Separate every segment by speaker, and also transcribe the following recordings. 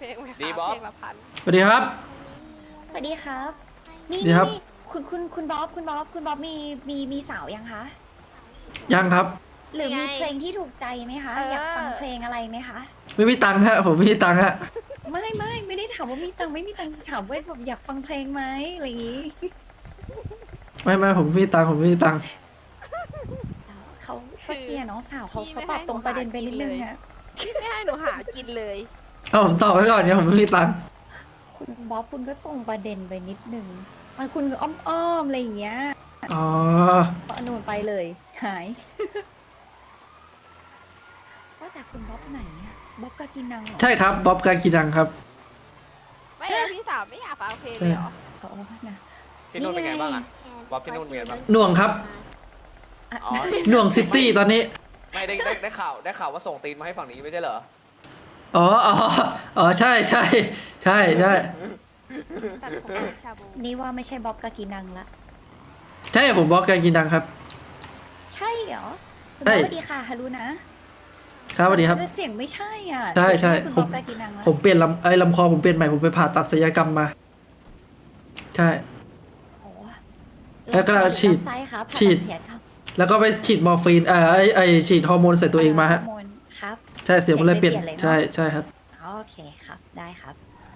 Speaker 1: ลงไหมคะ
Speaker 2: ดีบ๊อบ
Speaker 1: เพลงละพัน
Speaker 3: สวัสดีครับ
Speaker 4: สวัสดีครับนี่
Speaker 3: ดีครับ
Speaker 4: นี่คุณบ๊อบคุณบ๊อบมีสาวยังคะ
Speaker 3: ยังครับ
Speaker 4: หรือมีเพลงที่ถูกใจไหมคะ อยากฟังเพลงอะไรไหมคะ
Speaker 3: ไม่มีตังค์ฮะผมไม่มีตังค์ฮะ
Speaker 4: ไม่ได้ถามว่ามีตังค์ไม่มีตังค์ถามว่าแบบอยากฟังเพลงไหมอะไรอย่างงี้
Speaker 3: ไม่ผมไม่มีตังค์ผมไม่มีตังค์
Speaker 4: เขาเคลียร์น้องสาวเขาตอบตรงประเด็นไปนิดนึงอะ
Speaker 1: พี่ไม่ให้หนูหากินเลย
Speaker 3: เอาผมตอบไว้ก่อนเนี่ยผมไม่มีตังค์
Speaker 4: คุณบ๊อบคุณก็ตรงประเด็นไปนิดนึงมันคุณก็อ้อมอะไรอย่างเงี้ย
Speaker 3: อ๋อ
Speaker 4: เอาหนูไปเลยหาย ว่าแต่คุณบ๊อบไหนอะบ๊อบกากินังเหรอ
Speaker 3: ใช่ครับบ๊อบกากีดังครับ
Speaker 1: ไม่เอาพี่สาวไม่อยากฟังเพลงเลยเหรอ
Speaker 4: เขานะ
Speaker 2: ที่นู่นเป็นไงบ้างอะบ๊อบที่นู่นเป็นไงบ้าง
Speaker 3: หน่วงครับ
Speaker 2: อ๋อ
Speaker 3: หน่วงซิตี้ตอนนี้
Speaker 2: ไม่ได้ข่าวว่าส่งตีนมาให้ฝั่งนี้ไม่ใช่เหรอ
Speaker 3: อ๋อใช่
Speaker 1: ตัดผมเป็นชาบู
Speaker 4: นี่ว่าไม่ใช่บ๊อบกากินังละ
Speaker 3: ใช่ผมบ๊อบกากีดังครับ
Speaker 4: ใช่เหรอคุณ
Speaker 3: ใช่
Speaker 4: บ๊อบสวัสดีค่ะฮารุนะครับ
Speaker 3: สวัสดีครับ
Speaker 4: แต่เสียงไม่ใช่อ่ะ
Speaker 3: ใช่
Speaker 4: เสียงไม่คุณบ๊อบกากินังละ
Speaker 3: ผมเปลี่ยนลำคอผมเปลี่ยนใหม่ผมไปผ่าตัดศัลยกรรมมา ใช่
Speaker 4: โอ้
Speaker 3: แล้วก็ฉีด
Speaker 4: ลำไส้ครับ
Speaker 3: ฉีด
Speaker 4: เสียครับ
Speaker 3: แล้วก็ไปฉีดมอร์ฟีนไอฉีดฮอร์โมนใส่ตัวเองมาฮะ
Speaker 4: ฮอร์โนครับ
Speaker 3: ใช่เสียงมันเลยเปลี่ยน
Speaker 4: เสียงเลยเปลี่ยนเลยเนอะ
Speaker 3: ใช่ครับ
Speaker 4: โอเคครับ ได้ครับ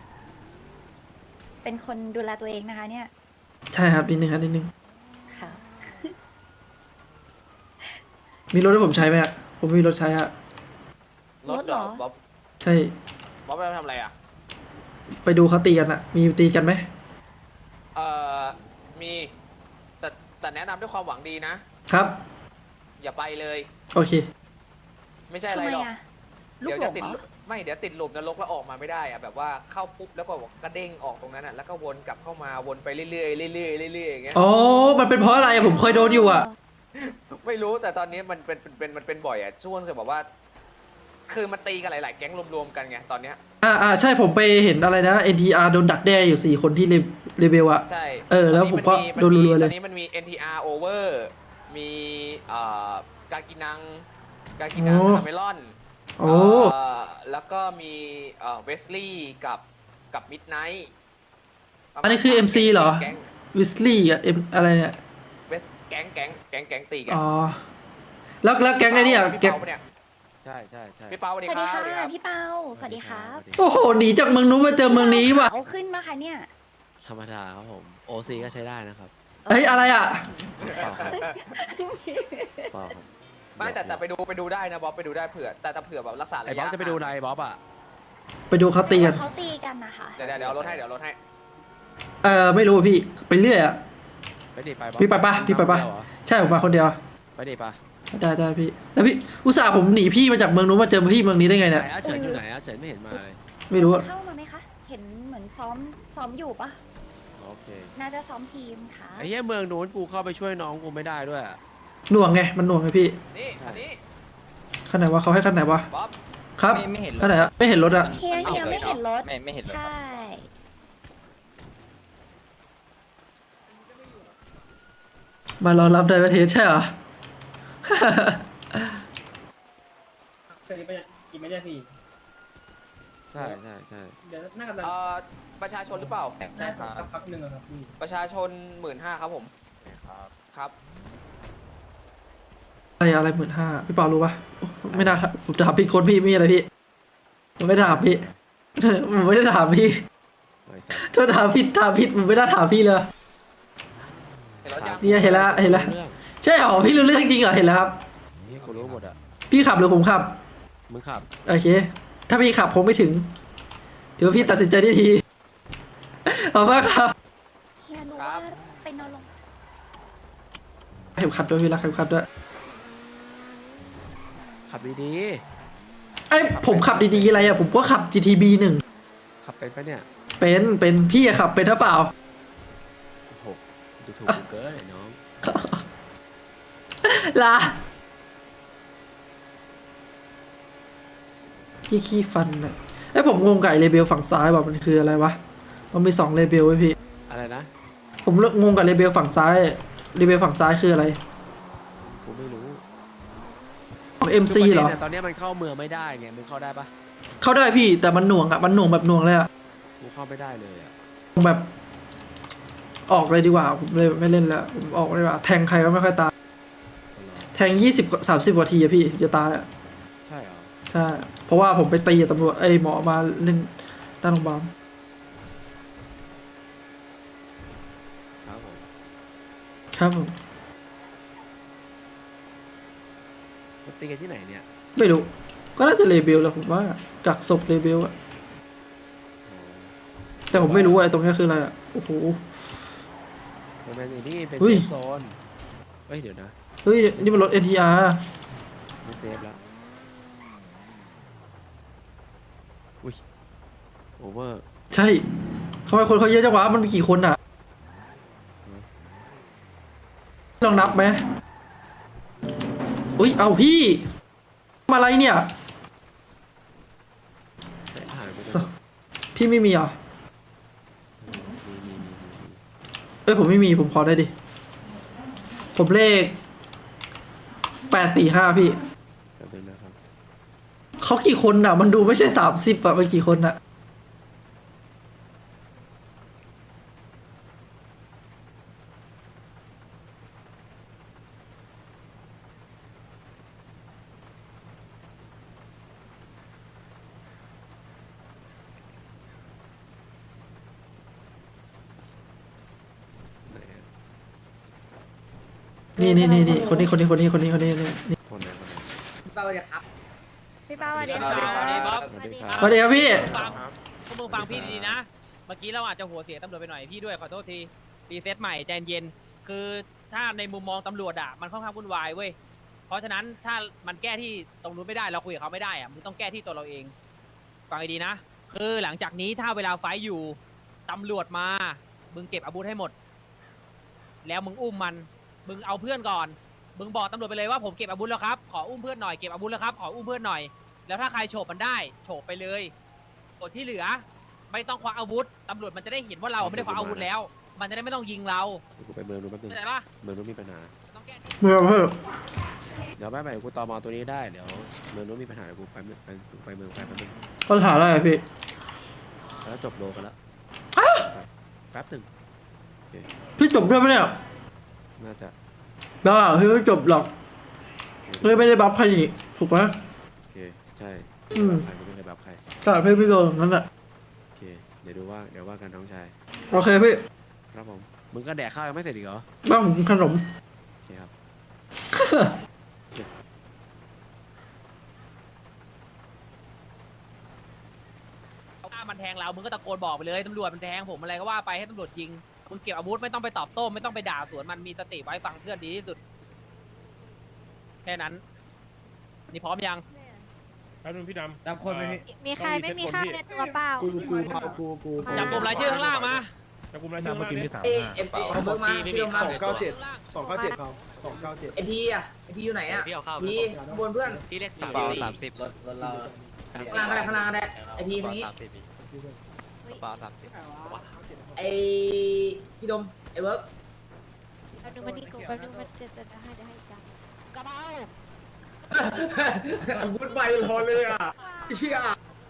Speaker 4: เป็นคนดูแลตัวเองนะคะ เนี่ย
Speaker 3: ใช่ครับนิดนึงครับนิดนึง
Speaker 4: ค่ะ
Speaker 3: มีรถให้ผมใช้ไหมฮะผมมีรถใช้ฮะ
Speaker 2: รถเหรอ
Speaker 4: รถเหรอ
Speaker 2: บ๊อบ
Speaker 3: ใช่
Speaker 2: บ๊อบไปทำอะไรอะ
Speaker 3: ไปดูเขาตีกันอะมีตีกันไหม
Speaker 2: เอ่อมีแต่แนะนำด้วยความหวังดีนะ
Speaker 3: ครับ
Speaker 2: อย่าไปเลย
Speaker 3: โอเค
Speaker 2: ไม่ใช่อะ
Speaker 4: ทำ
Speaker 2: ไร
Speaker 4: ไม
Speaker 2: หรอก
Speaker 4: อ่ะ ลู
Speaker 2: เดี๋
Speaker 4: ก
Speaker 2: ยว
Speaker 4: หล
Speaker 2: จะ
Speaker 4: ง
Speaker 2: ติด
Speaker 4: เหรอ
Speaker 2: ไม่เดี๋ยวติดหลุมนรกแล้วออกมาไม่ได้อะแบบว่าเข้าปุ๊บแล้วก็บอกกระเด้งออกตรงนั้นอะแล้วก็วนกลับเข้ามาวนไปเรื่อยๆเรื่อยๆเรื่อยๆอย่างเงี้ย
Speaker 3: อ๋อ มันเป็นเพราะอะไรอะผมเคยโดนอยู่อะ
Speaker 2: ไม่รู้แต่ตอนนี้มันเป็นบ่อยอะช่วงจะบอกว่า คือมันตีกันหลายๆแก๊งรวมๆกันไงตอนเนี้ย
Speaker 3: ใช่ผมไปเห็นอะไรนะ NTR โดนดักแด้อยู่4คนที่เรเบลอะ
Speaker 2: ใช่
Speaker 3: แล้วผมก็โดนรัวๆเลย
Speaker 2: ตอนนี้มันมี NTR Over มีกากินังคาเมลอน
Speaker 3: โอ้
Speaker 2: แล้วก็มีเวสลี่กับมิดไนท์
Speaker 3: อันนี้คือ MC เหรอ วิสลี่อะอะไรเนี่ย
Speaker 2: แก๊งตีกัน
Speaker 3: อ๋อ แล้วแก๊งไอ้เนี่ย
Speaker 2: พี่
Speaker 3: แก๊ง
Speaker 2: เปาเนี่ย
Speaker 5: ใช่
Speaker 2: พี่เปาสวัส
Speaker 4: ส
Speaker 2: ดี
Speaker 4: วัส
Speaker 2: ค
Speaker 4: ดี
Speaker 2: รับ
Speaker 4: ค่ะ
Speaker 2: สวัสดีครับ
Speaker 4: พี่เปาสวัสดีครับ
Speaker 3: โอ้โหหนีจากเมืองนู้นมาเจอเมืองนี้ว่ะ
Speaker 4: เขาขึ้นมาค่ะเนี่ย
Speaker 5: ธรรมดาครับผม OC ก็ใช้ได้นะครับ
Speaker 3: เฮ้ยอะไรอะ
Speaker 5: เปล่าครับเปล่าครับ
Speaker 2: ไม่แต่ไปดูได้นะบ๊อบไปดูได้เผื่อแต่เผื่อแบบรักษา
Speaker 5: ไอ้
Speaker 2: ระ
Speaker 5: บ๊อบ
Speaker 2: ยะ
Speaker 5: จะไปดูอะไรบ๊อบอ่ะ
Speaker 3: ไปดูเขาตีกัน
Speaker 4: เขาตีกันนะคะ
Speaker 2: เดี๋ยวเอารถให้
Speaker 3: ไม่รู้พี่ไปเรื่อยอะ
Speaker 5: ไปดิไปบ๊อบ
Speaker 3: พี่ไปปะพี่ไปปะ
Speaker 5: เดียวเหรอ
Speaker 3: ใช่ผมมาคนเดียว
Speaker 5: ไปดิปะ
Speaker 3: ได้พี่แล้วพี่อุตส่าห์ผมหนีพี่มาจากเมืองนู้นมาเจอพี่เมืองนี้ได้ไง
Speaker 5: ไหน
Speaker 3: เนี่ย
Speaker 5: อาเฉินอยู่ไหนอาเฉินไม่เห็นมาเลย
Speaker 3: ไม่รู้อะ
Speaker 4: เข้ามาไหมคะ เห็นเหมือนซ้อมอยู่ปะ
Speaker 5: โอเค
Speaker 4: น่าจะซ้อมทีมค่ะ
Speaker 5: ไอ้เหี้ยเมืองนู้นกูเข้าไปช่วยน้องกูไม่ได้ด้วยอะ
Speaker 3: หน่วงไงมันหน่วงไงพี่
Speaker 2: นี่อันนี้
Speaker 3: ขั้นไหนวะเขาให้ขั้นไหนวะ
Speaker 2: บ๊อบ
Speaker 3: ครับ
Speaker 6: ไม่เห็นรถ
Speaker 3: ขั้นไหนอะไม่เห็นรถอะ
Speaker 4: เฮียไม่เห็นรถ
Speaker 6: ไม่เห็นรถ
Speaker 4: ใช่
Speaker 3: มารอรับไดประเทศใช่เหรอ
Speaker 7: เชิญไปกี่ไม่ได้พี่
Speaker 5: ใช่
Speaker 7: เดี๋ยวน่าจะ
Speaker 2: ประชาชนหรือเปล่า
Speaker 7: ได้สักพักหนึ่งอะครับพี่
Speaker 2: ประชาชน 15,000ครับผมครับ
Speaker 3: อะไร15,000พี่เปารู้ปะไม่น่าผมถามผิดคนพี่ไม่อะไรพี่ผมไม่ถามพี่ ผมไม่ได้ถามพี่
Speaker 5: ไอ้สัส
Speaker 3: ถ้าถามผิดผมไม่ได้ถามพี่เลย
Speaker 2: เห็นรถยัง
Speaker 3: เนี่ยเห็นแล้ว
Speaker 5: เรื่อง
Speaker 3: ใช่เหรอพี่รู้เรื่องจริงเหรอเห็นแล้วครับ
Speaker 5: เหี้ยกูรู้หมดอ่ะ
Speaker 3: พี่ขับหรือผมขับ
Speaker 5: มึงขับ
Speaker 3: โอเค ถ้าพี่ขับผมไม่ถึงถือว่าพี่ตัดสินใจได้ทีเอามากครับ
Speaker 4: เฮียรู้ว่าเป็นนอนลง
Speaker 3: เข็มขัดด้วยพี่รักเข็มขัดด้วย
Speaker 5: ขับดี
Speaker 3: ไอ้ยผมขับดีๆอะไรอะผมก็ขับ GTB 1
Speaker 5: ๆขับเป็นปะเนี่ย
Speaker 3: เป็นพี่อะขับเป็นหรือเปล่า
Speaker 5: โอ้โหดูถูกกูเกินไอ้น้อง
Speaker 3: ลาขี้ฟันอะไอ้ยผมงงกับไอ้เลเบลฝั่งซ้ายว่ามันคืออะไรวะมันมี2เลเบลไว้พี่
Speaker 5: อะไรนะ
Speaker 3: ผมงงกับเลเบลฝั่งซ้ายเลเบลฝั่งซ้ายคืออะไร
Speaker 5: กูไม่รู้
Speaker 3: ของ MC เหรอ
Speaker 5: คือประด็นนี่ยตอนเนี้ยมันเข้าเมืองไม่ได้ไงมึงเข้าได้ปะ
Speaker 3: เข้าได้พี่แต่มันหน่วงอะมันหน่วงแบบหน่วงเลยอะ
Speaker 5: กูเข้าไม่ได้เลยอ่ะ
Speaker 3: แบบออกเลยดีกว่าผมเลยไม่เล่นแล้วผมออกเลยดีกว่าแทงใครก็ไม่ค่อยตาย
Speaker 5: เอาเหรอ
Speaker 3: แทง20-30 กว่าทีอะพี่จะตายอะ
Speaker 5: ใช่เหรอ
Speaker 3: ใช่เพราะว่าผมไปตีกับตำรวจหมอมาเล่นด้านโรงพยาบาล
Speaker 5: ครับผม
Speaker 3: ครับผม
Speaker 5: มาตีกันที่ไหนเนี่ย
Speaker 3: ไม่รู้ก็น่าจะเลเบลแหละผมว่ากักศพเลเบลอะ
Speaker 5: อ๋อ
Speaker 3: แต่ผมไม่รู้ว่าไอ้ตรงนี้คืออะไรอะโอ้โห
Speaker 5: มันเป็นอย่างนี้เป็น
Speaker 3: เฮ้
Speaker 5: เซ
Speaker 3: ย
Speaker 5: ฟโซนเฮ้ยเดี๋ยวนะ
Speaker 3: เฮ้ยนี่มันรถ NTR
Speaker 5: ไม่เซฟแล้วอุ้ยโอเวอร์
Speaker 3: ใช่ทำไมคนเขาเยอะจังวะมันมีกี่คนอะลองนับไหมอุ้ยเอาพี่มาอะไรเนี่ย
Speaker 5: หายไป
Speaker 3: สพี่ไม่มีเหรอ
Speaker 5: มี
Speaker 3: เอ้ยผมไม่มีผมขอได้ดิ ผมเลข845พี่
Speaker 5: แป๊บนึงนะครับ
Speaker 3: เขากี่คนอ่ะ มันดูไม่ใช่30อ่ะมันกี่คนอ่ะ
Speaker 5: ไหนอะ
Speaker 3: นี่นี่คนนี้นี่
Speaker 5: คนไหน
Speaker 1: พี่เป้าสวัสดีครับ
Speaker 4: พี่เป้าสวัสดี
Speaker 2: สวัสดี
Speaker 4: ค่ะ
Speaker 2: ครับ
Speaker 5: สวัสดีค
Speaker 3: ส
Speaker 5: รับ
Speaker 3: วัสดีครับพี่
Speaker 6: ฟังพวกมึงฟังพี่ดีๆนะ เมื่อกี้เราอาจจะหัวเสียตำรวจไปหน่อยพี่ด้วยขอโทษทีรีเซ็ตใหม่ใจเย็นคือถ้าในมุมมองตำรวจอ่ะมันค่อนข้างวุ่นวายเว้ยเพราะฉะนั้นถ้ามันแก้ที่ตรงนู้นไม่ได้เราคุยกับเขาไม่ได้อ่ะมึงต้องแก้ที่ตัวเราเองฟังให้ดีนะคือหลังจากนี้ถ้าเวลาไฟท์อยู่ตำรวจมามึงเก็บอาวุธให้หมด แล้วมึงอุ้มมันมึงเอาเพื่อนก่อนมึงบอกตำรวจไปเลยว่าผมเก็บอาวุธแล้วครับขออุ้มเพื่อนหน่อยเก็บอาวุธแล้วครับขออุ้มเพื่อนหน่อยแล้วถ้าใครโฉบมันได้โฉบไปเลยส่วนที่เหลือ ไม่ต้องควักอาวุธ ตำรวจมันจะได้เห็นว่าเราไม่ได้ควักอาวุธแล้ว มันจะได้ไม่ต้องยิงเรา
Speaker 5: เดี๋ยวกูไปเมืองนู้นแป๊บนึง
Speaker 6: เข้าใจปะ
Speaker 5: เมืองนู้นมีปัญหา
Speaker 6: ต้องแก้ที่
Speaker 3: เมื่อเพิ่ม
Speaker 5: เดี๋ยวไม่กูตอมอตัวนี้ได้เดี๋ยวเมืองนู้นมีปัญหาเดี๋ยวกูไปเมืองไปเมืองไปแป๊บนึง
Speaker 3: ปัญหาอะไรอะพี่
Speaker 5: แล้วจบโลกันแล้วแป๊บหนึ่ง
Speaker 3: พี่จบด้วยปะเนี่ย
Speaker 5: น่าจะ
Speaker 3: บ้าพี่ไม่จบหรอกเลยไม่ได้บัฟใครนี่ถูกปะ
Speaker 5: โอเคใช่
Speaker 3: อืม
Speaker 5: ใครไม่เคยแบบใคร
Speaker 3: แต่พี่ไม่โดนนั่นแหละ
Speaker 5: โอเคเดี๋ยวว่ากันน้องชาย
Speaker 3: โอเคพี่
Speaker 5: ครับผมมึงก็แดกข้าวยังไม่เสร็จอีกเหรอ
Speaker 3: บ้านผมกินขนม
Speaker 5: โอเคครับ
Speaker 6: ถ้ามันแทงเรา มึงก็ตะโกนบอกไปเลยตำรวจมันแทงผมอะไรก็ว่าไปให้ตำรวจยิง มึงเก็บอาวุธไม่ต้องไปตอบโต้ไม่ต้องไปด่าสวนมันมีสติไว้ฟังเพื่อนดีที่สุด แค่นั้น นี่พร้อมยัง
Speaker 8: แป๊บนึงพี่ดำ
Speaker 7: รับคนไหมพี่
Speaker 1: มีใครไม่มีข้าวในตัวเปล่า
Speaker 7: กู
Speaker 6: จับกลุ่มรายชื่อข้างล่างมา
Speaker 8: จับกลุ่มรายชื่อมากินที่สาม
Speaker 2: เอ็มเอาเพิ่มมาพี่ลงมา
Speaker 7: 297ครับ297
Speaker 2: ไอพีอ่ะไอพีอยู่ไหนอ่ะพีข้างบนเพื่อน
Speaker 6: ที่เลข
Speaker 9: เปล่า30รถเรา
Speaker 2: ข้างล่างก็ได้ข้างล่างก็ได้ไอพีตรงนี้
Speaker 9: เปล่า30
Speaker 2: ไอพี่ดมไอเวิร์ก
Speaker 1: เราดูมันนี่กูเราดูมันจะให้จังกระเป๋า
Speaker 2: อาวุธใบรอเลยอ่ะเฮีย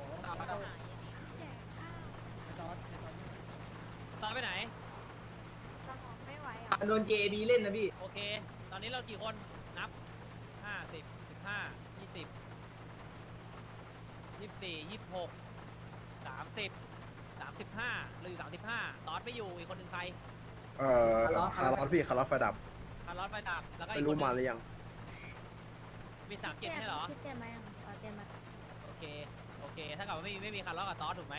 Speaker 6: ตอนไปไหน
Speaker 1: สมองไม่ไหวอ่ะ
Speaker 2: โดน JB เล่นนะพี่
Speaker 6: โอเค ตอนนี้เรากี่คน นับ 50 15 20 24 26 30 35เราอยู่35ตอดไม่อยู่อีกคนหนึ่งใคร
Speaker 2: คาร์ลอสพี่
Speaker 6: คาร์ลอสไฟดับ แล้วก็อีกคนหนึ่งมี37ไม่ใช่เหรอ
Speaker 4: พี่เต็มไหมอ่ะอ๋อเต็มมา
Speaker 6: โอเค โอเค ถ้ากับว่าไม่มีคาร์ลอสกับตอสถูกไหม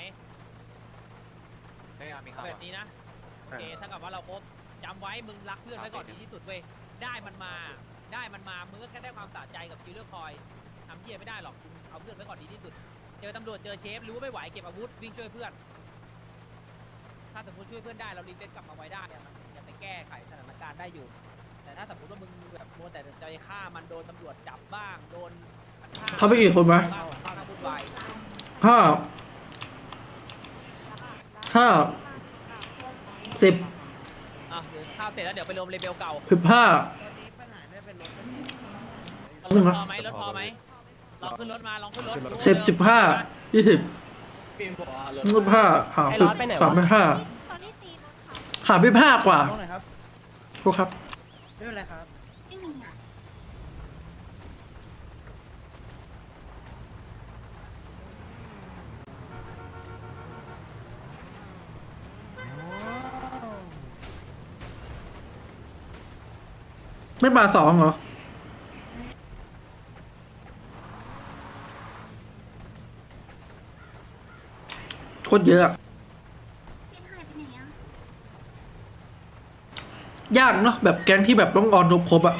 Speaker 9: ไม่มีข่าว
Speaker 6: แบบนี้นะ โอเค ถ้ากับว่าเราครบจำไว้มึงรักเพื่อนไว้ก่อนดีที่สุดเว้ย ได้มันมา มึงก็แค่ได้ความสะใจกับคิลเลอร์คอยทำเหี้ยไม่ได้หรอกมึงเอาเพื่อนไว้ก่อนดีที่สุด เจอตำรวจเจอเชฟรู้ว่าไม่ไหวเก็บอาวุธวิ่งช่วยเพื่อน ถ้าสมมติช่วยเพื่อนได้เรารีเซ็ตกลับมาไว้ได้อะมันจะไปแก้ไขสถานการณ์ได้อยู่ แต่ถ้าสมมติว่ามึงแบบมัวแต่ใจฆ่ามันโดนตำรวจจับบ้างโดนมันฆ่า
Speaker 3: เขาไปกี่คนวะ
Speaker 6: บ้างบ้างวุ่นวาย
Speaker 3: ห้า10
Speaker 6: อ่ะเดี๋ยวข้าวเสร็จแล้วเดี๋ยวไปรวมเลเบลเก่า
Speaker 3: 15
Speaker 6: รถพอไหมรถพอไหมลองขึ้นรถมาลองขึ้นรถ
Speaker 3: 10 15 20 15ขาพี่35
Speaker 1: ตอนนี้ตีรถเขา
Speaker 3: ขาพี่5กว่า
Speaker 7: ตรงไหนครับ
Speaker 3: พวกครับ
Speaker 7: ไม่เป็นไรครับ
Speaker 1: ไม่มีอ่ะ
Speaker 3: ไม่มา2เหรอ โคตรเยอะอะ
Speaker 1: เจ๊หายไปไหนอ่ะ
Speaker 3: ยากเนาะแบบแก๊งที่แบบต้องออนครบอะ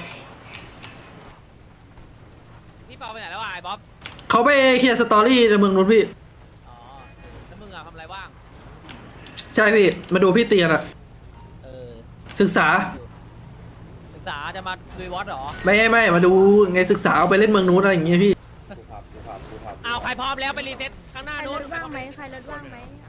Speaker 6: พี่เปาไปไหนแล้วอ่ะไอ้บ๊อบ
Speaker 3: เขาไปเคลียร์สตอรี่ในเมืองนู้นพี่
Speaker 6: อ๋อแล้วมึงอะทำอะไรว่าง
Speaker 3: ใช่พี่ มาดูพี่เตียนอะ
Speaker 6: เออ
Speaker 3: ศึกษา
Speaker 6: ศึกษาจะมาลุยวอตเหรอ
Speaker 3: ไม่มาดูไงศึกษาเอาไปเล่นเมืองนู้นอะไรอย่างเงี้ยพี่
Speaker 6: เอาใครพร้อมแล้วไปรีเซ็ตข้างหน้า
Speaker 1: ใครร
Speaker 6: นู้น
Speaker 1: ถว่างไหมใครรถว่างไหมเอา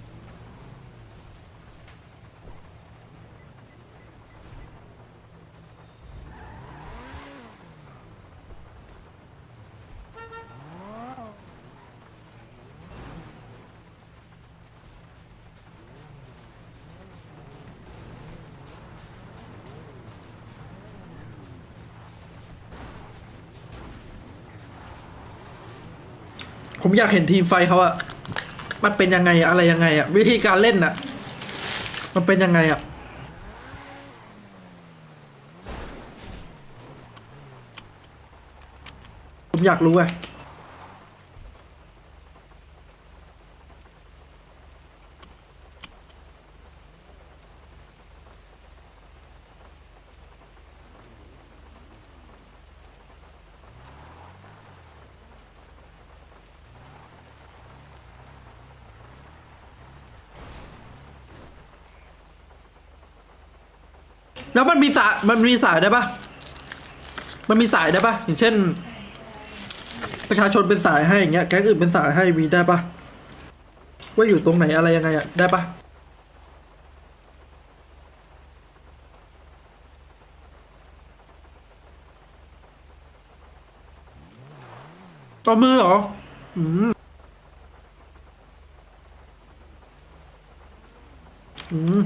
Speaker 3: ผมอยากเห็นทีมไฟเขาอะมันเป็นยังไงอะไรยังไงอะวิธีการเล่นอะมันเป็นยังไงอะผมอยากรู้ไงแล้วมันมีสายได้ปะมันมีสายได้ปะอย่างเช่น ประชาชนเป็นสายให้อย่างเงี้ยแก๊งอื่นเป็นสายให้มีได้ปะว่าอยู่ตรงไหนอะไรยังไงอะได้ปะต่อมือเหรออืมอืม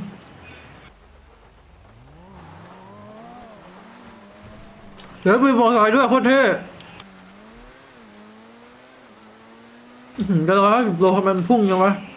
Speaker 3: เดี๋ยวมีมอเตอร์ไซค์ด้วยโคตรเท่ก็150 โลทำไมมันพุ่งยังวะ